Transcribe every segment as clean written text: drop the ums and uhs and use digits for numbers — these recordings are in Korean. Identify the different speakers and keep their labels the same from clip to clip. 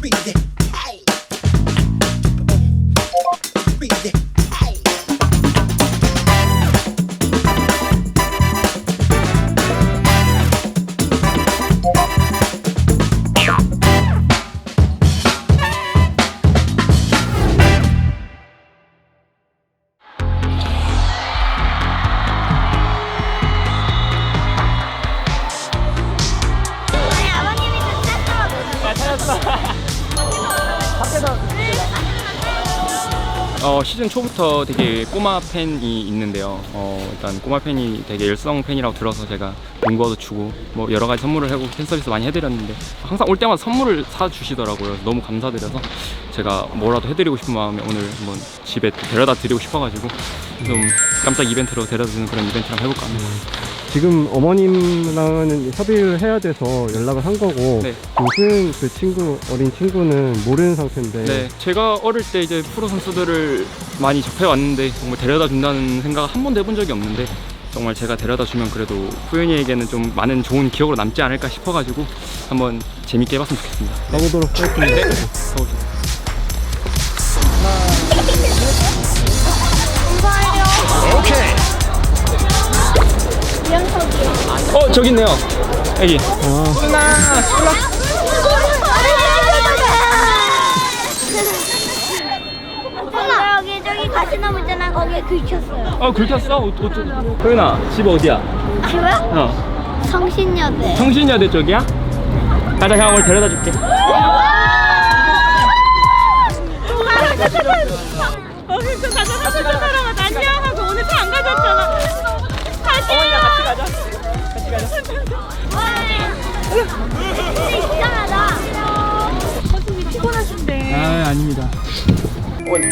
Speaker 1: 시즌 초부터 되게 꼬마 팬이 있는데요. 일단 꼬마 팬이 되게 열성 팬이라고 들어서 제가 농구화도 주고 뭐 여러 가지 선물을 하고 팬 서비스 많이 해드렸는데 항상 올 때마다 선물을 사주시더라고요. 너무 감사드려서 제가 뭐라도 해드리고 싶은 마음에 오늘 한번 집에 데려다 드리고 싶어가지고 좀 깜짝 이벤트로 데려다 주는 그런 이벤트를 한번 해볼까 합니다.
Speaker 2: 지금 어머님랑은 협의를 해야 돼서 연락을 한 거고
Speaker 1: 네.
Speaker 2: 요즘 그 친구, 어린 친구는 모르는 상태인데
Speaker 1: 네, 제가 어릴 때 이제 프로 선수들을 많이 접해왔는데 정말 데려다 준다는 생각을 한 번도 해본 적이 없는데 정말 제가 데려다 주면 그래도 후연이에게는 좀 많은 좋은 기억으로 남지 않을까 싶어가지고 한번 재밌게 해봤으면 좋겠습니다.
Speaker 2: 가보도록 하겠습니다.
Speaker 1: 네, 가보시죠. 저기 있네요. 애기.
Speaker 3: 엄마 여기 저기 가시나무 있잖아. 거기에 긁혔어요.
Speaker 1: 긁혔어? 호연아, 집 어디야?
Speaker 3: 집은? 성신여대.
Speaker 1: 성신여대 쪽이야? 가자, 형 오늘 데려다 줄게.
Speaker 4: 같이 가자. 안녕하고 오늘 차 안 가져왔잖아.
Speaker 1: 어머니랑 같이 가자.
Speaker 3: 근데 이상하다.
Speaker 4: 선생님 피곤하신데.
Speaker 1: 아닙니다. 어머니.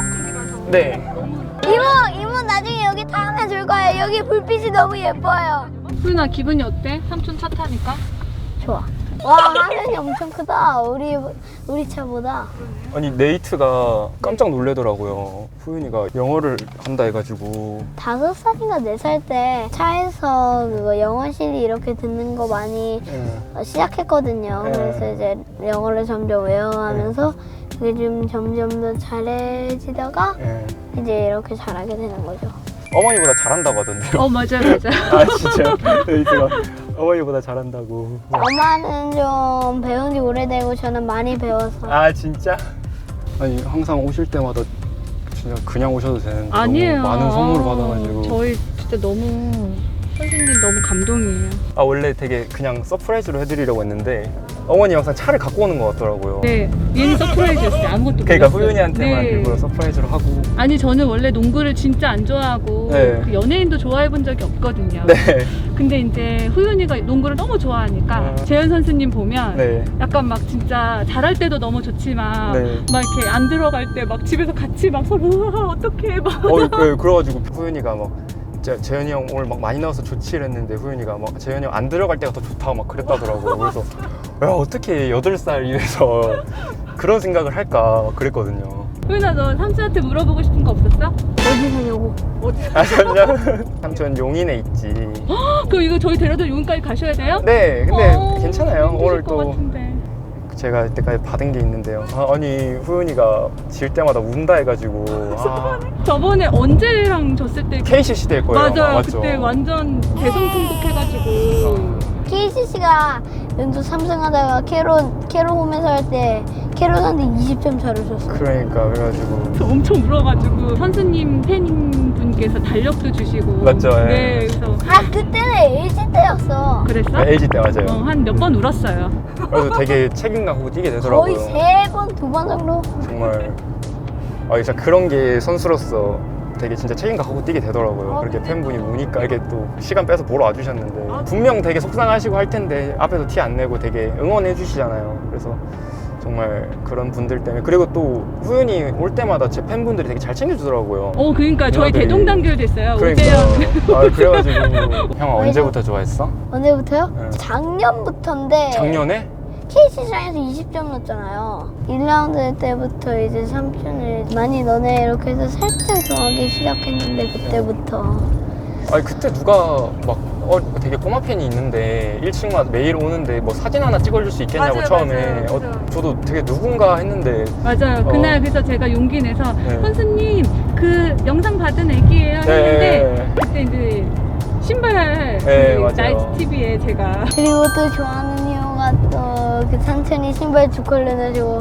Speaker 1: 네.
Speaker 3: 이모 나중에 여기 타면 줄 거예요. 여기 불빛이 너무 예뻐요.
Speaker 4: 후윤아 기분이 어때? 삼촌 차 타니까?
Speaker 3: 좋아. 와 화면이 엄청 크다. 우리 차보다.
Speaker 1: 아니 네이트가 깜짝 놀래더라고요. 후윤이가 영어를 한다 해가지고
Speaker 3: 5살인가 4살 때 차에서 그거 영어실이 이렇게 듣는 거 많이 시작했거든요.
Speaker 1: 네.
Speaker 3: 그래서 이제 영어를 점점 외워가면서 그게 좀 점점 더 잘해지다가 이제 이렇게 잘하게 되는 거죠.
Speaker 1: 어머니보다 잘한다고 하던데요.
Speaker 4: 맞아.
Speaker 1: 아 진짜 네이트가 어머니보다 잘한다고.
Speaker 3: 엄마는 좀 배운 지 오래되고 저는 많이 배워서.
Speaker 1: 아 진짜? 아니 항상 오실 때마다 진짜 그냥 오셔도 되는데
Speaker 4: 아니에요.
Speaker 1: 너무 많은 선물을 받아가지고.
Speaker 4: 저희 진짜 너무 선생님 너무 감동이에요.
Speaker 1: 아 원래 되게 그냥 서프라이즈로 해드리려고 했는데 어머니 항상 차를 갖고 오는 것 같더라고요.
Speaker 4: 네, 얘는 서프라이즈였어요. 아무것도
Speaker 1: 그러니까
Speaker 4: 몰랐어요.
Speaker 1: 후윤이한테만
Speaker 4: 네.
Speaker 1: 일부러 서프라이즈로 하고.
Speaker 4: 아니 저는 원래 농구를 진짜 안 좋아하고
Speaker 1: 네.
Speaker 4: 그 연예인도 좋아해 본 적이 없거든요.
Speaker 1: 네.
Speaker 4: 근데 이제 후윤이가 농구를 너무 좋아하니까 재현 선수님 보면
Speaker 1: 네.
Speaker 4: 약간 막 진짜 잘할 때도 너무 좋지만
Speaker 1: 네.
Speaker 4: 막 이렇게 안 들어갈 때 막 집에서 같이 막 서로 어떡해 막
Speaker 1: 그래가지고 후윤이가 막 재현이 형 오늘 막 많이 나와서 좋지 이랬는데 후윤이가 막 재현이 형 안 들어갈 때가 더 좋다고 막 그랬다더라고요. 그래서 야 어떻게 8살 이래서 그런 생각을 할까 막 그랬거든요.
Speaker 4: 후윤아 너 삼촌한테 물어보고 싶은 거 없었어?
Speaker 3: 어디 사냐고.
Speaker 1: 아 진짜? 삼촌 용인에 있지.
Speaker 4: 그럼 이거 저희 데려다 용인까지 가셔야 돼요?
Speaker 1: 네 근데 괜찮아요.
Speaker 4: 힘드실
Speaker 1: 오늘
Speaker 4: 것
Speaker 1: 또
Speaker 4: 같은데.
Speaker 1: 제가 이때까지 받은 게 있는데요. 아니 후윤이가 질 때마다 운다 해가지고
Speaker 4: 저번에 언제랑 졌을 때
Speaker 1: KCC 될 거예요.
Speaker 4: 맞아요.
Speaker 1: 맞죠?
Speaker 4: 그때 완전 대성통곡해가지고
Speaker 3: KCC가 연속 3승하다가 캐롤 홈에서 할 때 캐롤한테 20점 차를 줬어요.
Speaker 1: 그러니까 그래가지고
Speaker 4: 저 엄청 울어가지고 선수님 팬분께서 달력도 주시고
Speaker 1: 맞죠, 예.
Speaker 4: 네 그래서
Speaker 3: 그때는 LG 때였어.
Speaker 4: 그랬어?
Speaker 1: LG 때 맞아요.
Speaker 4: 한 몇 번 울었어요.
Speaker 1: 그래서 되게 책임감 갖고 뛰게 되더라고요.
Speaker 3: 거의 3번, 2번 정도.
Speaker 1: 정말 진짜 그런 게 선수로서 되게 진짜 책임감 갖고 뛰게 되더라고요. 그렇게 팬분이 우니까 이렇게 또 시간 빼서 보러 와주셨는데 분명 되게 속상하시고 할 텐데 앞에서 티 안 내고 되게 응원해 주시잖아요. 그래서 정말 그런 분들 때문에 그리고 또 후윤이 올 때마다 제 팬분들이 되게 잘 챙겨주더라고요.
Speaker 4: 그러니까 저희
Speaker 1: 누나들이.
Speaker 4: 대동단결 됐어요.
Speaker 1: 그러니까
Speaker 4: 오재현
Speaker 1: 그래가지고 형 언제부터 좋아했어?
Speaker 3: 언제부터요?
Speaker 1: 네.
Speaker 3: 작년부터인데
Speaker 1: 작년에?
Speaker 3: KCC장에서 20점 넣었잖아요. 1라운드 때부터 이제 삼촌을 많이 너네 이렇게 해서 살짝 좋아하기 시작했는데 그때부터.
Speaker 1: 아니 그때 누가 막 되게 꼬마 팬이 있는데 1층마다 매일 오는데 뭐 사진 하나 찍어줄 수 있겠냐고
Speaker 4: 맞아요,
Speaker 1: 처음에
Speaker 4: 맞아요.
Speaker 1: 저도 되게 누군가 했는데
Speaker 4: 맞아요. 그날 그래서 제가 용기 내서
Speaker 1: 네.
Speaker 4: 선수님 그 영상 받은 애기예요 했는데
Speaker 1: 네.
Speaker 4: 그때 이제 신발
Speaker 1: 네,
Speaker 4: 그
Speaker 1: 맞아요.
Speaker 4: 나이트 TV에 제가
Speaker 3: 그리고 또 좋아하는 이유가 또 그 삼촌이 신발 두 컬러 내주고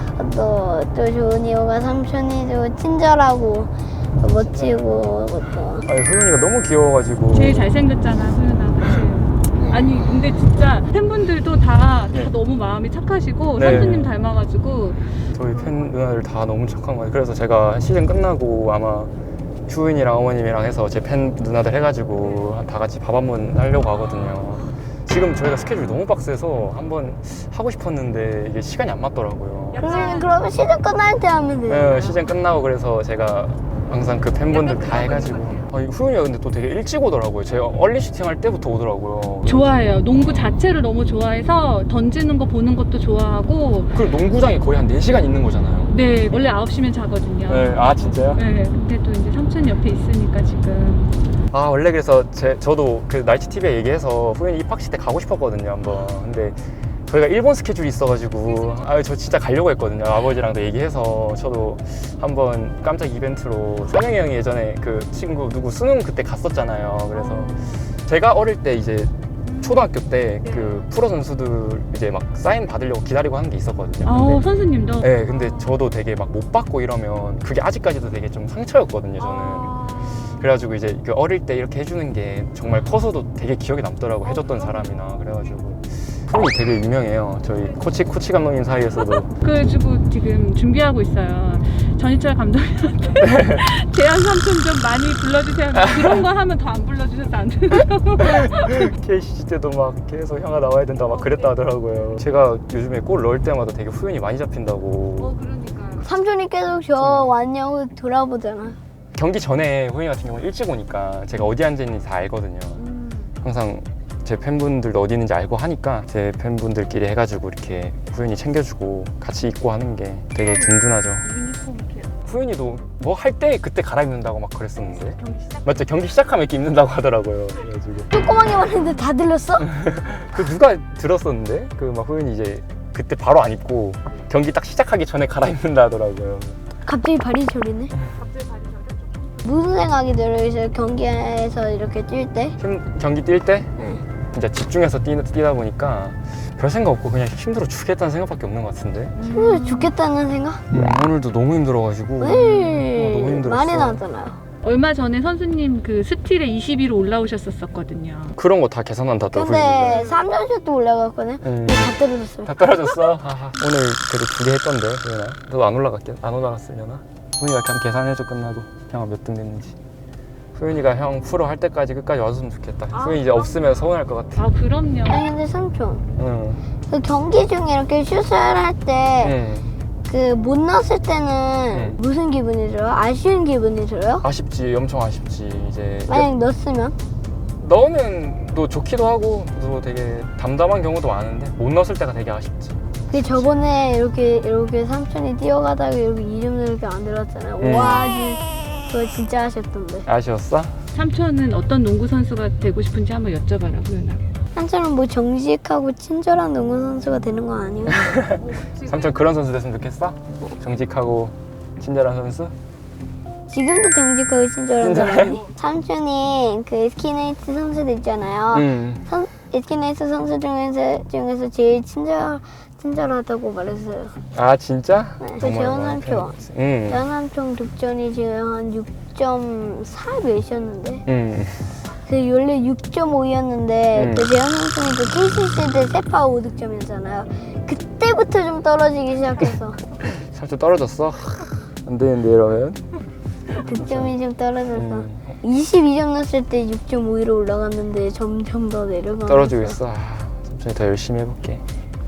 Speaker 3: 또 좋은 이유가 삼촌이 또 친절하고 또 멋지고 또
Speaker 1: 아니 후윤이가 너무 귀여워가지고
Speaker 4: 제일 잘생겼잖아 소윤아. 그치? 아니 근데 진짜 팬분들도 다
Speaker 1: 네.
Speaker 4: 너무 마음이 착하시고
Speaker 1: 네.
Speaker 4: 선수님 닮아가지고
Speaker 1: 저희 팬 누나들 다 너무 착한 거예요. 그래서 제가 시즌 끝나고 아마 휴인이랑 어머님이랑 해서 제 팬 누나들 해가지고 다 같이 밥 한번 하려고 하거든요. 지금 저희가 스케줄이 너무 빡세서 한번 하고 싶었는데 이게 시간이 안 맞더라고요.
Speaker 3: 그러면 시즌 끝날 때 하면 돼요.
Speaker 1: 네, 시즌 끝나고 그래서 제가 항상 그 팬분들 다 해가지고 후윤이가 근데 또 되게 일찍 오더라고요. 제가 얼리 슈팅 할 때부터 오더라고요.
Speaker 4: 좋아해요. 농구 자체를 너무 좋아해서 던지는 거 보는 것도 좋아하고
Speaker 1: 그리고 농구장이 거의 한 4시간 있는 거잖아요.
Speaker 4: 네 원래 9시면 자거든요.
Speaker 1: 네, 아 진짜요?
Speaker 4: 네, 근데 또 이제 삼촌 옆에 있으니까 지금
Speaker 1: 아 원래 그래서 저도 그 나이트 TV에 얘기해서 후윤이 입학식 때 가고 싶었거든요 한번. 근데 저희가 일본 스케줄이 있어가지고 저 진짜 가려고 했거든요. 아버지랑도 얘기해서 저도 한번 깜짝 이벤트로 성영이 형이 예전에 그 친구 누구 수능 그때 갔었잖아요. 그래서 제가 어릴 때 이제 초등학교 때 그 프로 선수들 이제 막 사인 받으려고 기다리고 하는 게 있었거든요. 근데
Speaker 4: 선수님도
Speaker 1: 네, 근데 저도 되게 막 못 받고 이러면 그게 아직까지도 되게 좀 상처였거든요, 저는. 그래가지고 이제 그 어릴 때 이렇게 해주는 게 정말 커서도 되게 기억에 남더라고, 해줬던 사람이나. 그래가지고 프로이 되게 유명해요. 저희 코치 감독님 사이에서도.
Speaker 4: 그래가지고 지금 준비하고 있어요. 전희철 감독님한테 재현 삼촌 좀 많이 불러주세요. 그런 거 하면 더 안 불러주셔서 안 돼요.
Speaker 1: KCC 때도 막 계속 형아 나와야 된다 막 그랬다 하더라고요. 제가 요즘에 골 넣을 때마다 되게 후연이 많이 잡힌다고.
Speaker 4: 그러니까요.
Speaker 3: 삼촌이 계속 저 왔냐고 돌아보잖아.
Speaker 1: 경기 전에 후연이 같은 경우는 일찍 오니까 제가 어디 앉아있는지 다 알거든요. 항상 제 팬분들도 어디 있는지 알고 하니까 제 팬분들끼리 해가지고 이렇게 후연이 챙겨주고 같이 입고 하는 게 되게 든든하죠. 후연이도 뭐 할 때 그때 갈아입는다고 막 그랬었는데. 맞죠? 경기 시작하면 이렇게 입는다고 하더라고요. 그래가지고
Speaker 3: 조그맣게 말했는데 다 들렸어?
Speaker 1: 그 누가 들었었는데 그 막 후연이 이제 그때 바로 안 입고 경기 딱 시작하기 전에 갈아입는다 하더라고요.
Speaker 3: 갑자기 발이 저리네. 무슨 생각이 들어요? 경기에서 이렇게 뛸 때?
Speaker 1: 경기 뛸 때
Speaker 3: 네.
Speaker 1: 진짜 집중해서 뛰다 보니까 별 생각 없고 그냥 힘들어 죽겠다는 생각밖에 없는 것 같은데.
Speaker 3: 힘들어 죽겠다는 생각?
Speaker 1: 오늘도 너무 힘들어가지고 너무 힘들었어.
Speaker 3: 많이 나왔잖아요.
Speaker 4: 얼마 전에 선수님 그 스틸에 20위로 올라오셨었거든요.
Speaker 1: 그런 거 다 계산한다 또
Speaker 3: 근데 3점슛도 올라갔거든?
Speaker 1: 응.
Speaker 3: 다 떨어졌어요.
Speaker 1: 다 떨어졌어? 오늘 그래도 2개 했던데 후연아. 너도 안 올라갔으려나? 후연이가 그냥 계산해줘 끝나고 형아 몇 등 됐는지. 후연이가 형 프로 할 때까지 끝까지 와줬으면 좋겠다. 후연이 이제 없으면 서운할 것 같아.
Speaker 4: 아 그럼요.
Speaker 3: 아니 근데 삼촌
Speaker 1: 응.
Speaker 3: 그 경기 중에 이렇게 슛을 할 때
Speaker 1: 응.
Speaker 3: 그 못 넣었을 때는
Speaker 1: 네.
Speaker 3: 무슨 기분이 들어요? 아쉬운 기분이 들어요?
Speaker 1: 아쉽지, 엄청 아쉽지. 이제
Speaker 3: 만약 넣었으면?
Speaker 1: 넣으면 또 좋기도 하고 또 되게 담담한 경우도 많은데 못 넣었을 때가 되게 아쉽지.
Speaker 3: 그 저번에 이렇게 삼촌이 뛰어가다가 이렇게 이름도 이렇게 안 들었잖아요. 와 그거 진짜 아쉽던데.
Speaker 1: 아쉬웠어?
Speaker 4: 삼촌은 어떤 농구 선수가 되고 싶은지 한번 여쭤봐라 후연아.
Speaker 3: 삼촌은 뭐 정직하고 친절한 농구 선수가 되는 거 아니에요?
Speaker 1: 삼촌 그런 선수 됐으면 좋겠어? 정직하고 친절한 선수?
Speaker 3: 지금도 정직하고 친절한 거
Speaker 1: 친절해?
Speaker 3: 아니? 삼촌이 그 에스키네이트 선수들 있잖아요. 에스키네이트 선수 중에서 제일 친절하다고 말했어요.
Speaker 1: 아 진짜?
Speaker 3: 네.
Speaker 1: 정말
Speaker 3: 재현
Speaker 1: 많이
Speaker 3: 삼촌.
Speaker 1: 팬이었지. 응.
Speaker 3: 재현 삼촌 득점이 지금 한 6.4 몇이었는데
Speaker 1: 응.
Speaker 3: 그 원래 6.5였는데 그 재현 삼촌이 그 KCC 때 세파 5득점이었잖아요. 그때부터 좀 떨어지기 시작해서
Speaker 1: 삼촌 떨어졌어? 안 되는데 이러면?
Speaker 3: 득점이 좀 떨어져서 22점 넣었을 때 6.5위로 올라갔는데 점점 더 내려가면서
Speaker 1: 떨어지고 있어. 삼촌이 더 열심히 해볼게.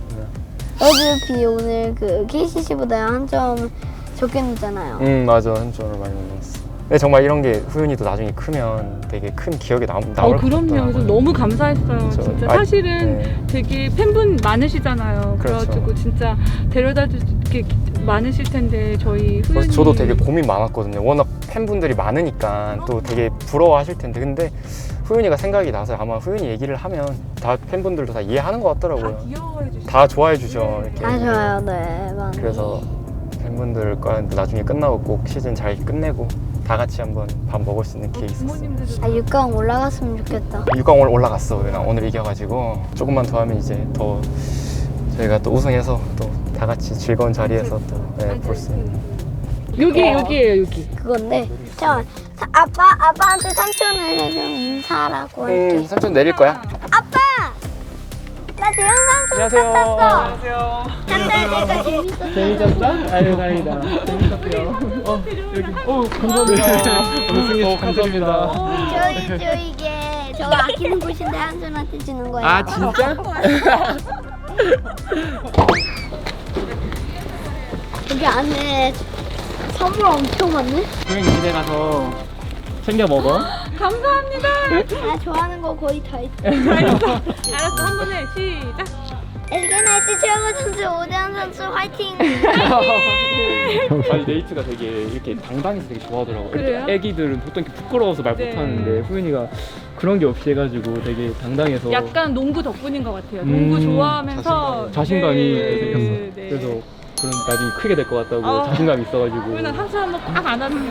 Speaker 3: 어차피 오늘 그 KCC보다 한 점 적게 넣었잖아요.
Speaker 1: 맞아. 삼촌 오늘 많이 못 넣었어. 근데 정말 이런 게 후윤이도 나중에 크면 되게 큰 기억에 나올 것 같더라고요.
Speaker 4: 그럼요. 그래서 너무 감사했어요.
Speaker 1: 그렇죠.
Speaker 4: 진짜
Speaker 1: 아,
Speaker 4: 사실은
Speaker 1: 네.
Speaker 4: 되게 팬분 많으시잖아요.
Speaker 1: 그렇죠.
Speaker 4: 그래가지고 진짜 데려다 줄 게 많으실 텐데 저희
Speaker 1: 그래서
Speaker 4: 후윤이
Speaker 1: 저도 되게 고민 많았거든요. 워낙 팬분들이 많으니까 또 되게 부러워하실 텐데 근데 후윤이가 생각이 나서 아마 후윤이 얘기를 하면 다 팬분들도 다 이해하는 것
Speaker 4: 다
Speaker 1: 같더라고요.
Speaker 4: 귀여워해 주시고
Speaker 1: 다 좋아해 주죠. 이렇게.
Speaker 3: 다 좋아요, 네. 많이.
Speaker 1: 그래서 팬분들과 나중에 끝나고 꼭 시즌 잘 끝내고 다 같이 한번 밥 먹을 수 있는 기회 있었어요.
Speaker 4: 부모님들도
Speaker 3: 아, 6강 올라갔으면 좋겠다.
Speaker 1: 6강 올라갔어. 오늘 이겨가지고 조금만 더 하면 이제 더 저희가 또 우승해서 또 다 같이 즐거운 자리에서 또 볼 수 있는.
Speaker 4: 여기에요 여기.
Speaker 3: 그건데, 아빠한테 삼촌을 좀 인사하라고 할게.
Speaker 1: 삼촌 내릴 거야?
Speaker 3: 아빠! 나 대형 삼촌 같았어.
Speaker 1: 안녕하세요.
Speaker 3: 한달 때가 재밌었어.
Speaker 2: 재밌었어? 아유 다행이다. 재밌었어요. 감사합니다. 오늘 승리 축하드립니다.
Speaker 3: 저희 이게 저거 아끼는 곳인데 한손한테 주는 거예요.
Speaker 1: 아 진짜?
Speaker 3: 여기 안에 선물 엄청 많네.
Speaker 1: 후윤이 집에 가서 챙겨 먹어.
Speaker 4: 감사합니다.
Speaker 3: 나 좋아하는 거 거의 다 있어.
Speaker 4: 알았어 한 번에 시작.
Speaker 3: SK나이츠 최영호 선수, 오대환 선수 화이팅!
Speaker 1: 아니 네이트가 되게 이렇게 당당해서 되게 좋아하더라고요.
Speaker 4: 그래요?
Speaker 1: 애기들은 보통 이렇게 부끄러워서 말
Speaker 4: 네.
Speaker 1: 못하는데 후윤이가 그런 게 없이 해가지고 되게 당당해서
Speaker 4: 약간 농구 덕분인 것 같아요. 농구 좋아하면서
Speaker 1: 자신감이
Speaker 4: 네,
Speaker 1: 생겼어.
Speaker 4: 네.
Speaker 1: 그래서 그런 나중에 크게 될 것 같다고
Speaker 4: 아.
Speaker 1: 자신감이 있어가지고.
Speaker 4: 그러면 삼촌 한번 꽉 안아주세요.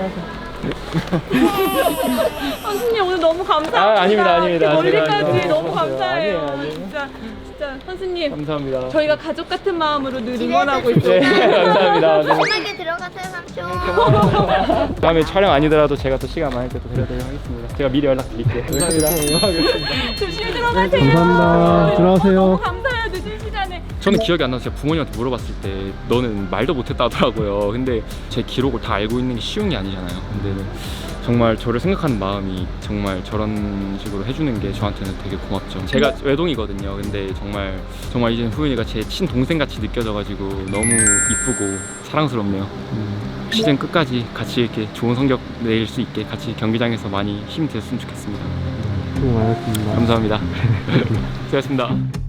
Speaker 4: 선수님 오늘 너무 감사합니다.
Speaker 1: 아, 아닙니다.
Speaker 4: 이렇게 멀리까지
Speaker 1: 제가
Speaker 4: 너무
Speaker 1: 너무
Speaker 4: 감사해요.
Speaker 1: 아니에요.
Speaker 4: 진짜 선수님
Speaker 1: 감사합니다.
Speaker 4: 저희가 가족 같은 마음으로 늘
Speaker 3: 집에서
Speaker 4: 응원하고
Speaker 3: 네,
Speaker 4: 있어요.
Speaker 1: 감사합니다.
Speaker 3: 편하게 들어가세요 삼촌.
Speaker 1: 다음에 촬영 아니더라도 제가 또 시간 많을 때 또 데려드리도록 하겠습니다. 제가 미리 연락드릴게요. 감사합니다.
Speaker 4: 조심히 들어가세요.
Speaker 2: 감사합니다. 들어가세요.
Speaker 4: 너무 감사해요. 늦은 시간에.
Speaker 1: 저는 기억이 안 나서 제가 부모님한테 물어봤을 때 너는 말도 못했다 하더라고요. 근데 제 기록을 다 알고 있는 게 쉬운 게 아니잖아요. 근데 정말 저를 생각하는 마음이 정말 저런 식으로 해주는 게 저한테는 되게 고맙죠. 제가 외동이거든요. 근데 정말 이제 후윤이가 제 친동생 같이 느껴져가지고 너무 이쁘고 사랑스럽네요. 시즌 끝까지 같이 이렇게 좋은 성적 낼 수 있게 같이 경기장에서 많이 힘이 됐으면 좋겠습니다.
Speaker 2: 수고 많았습니다.
Speaker 1: 감사합니다. 수고하셨습니다.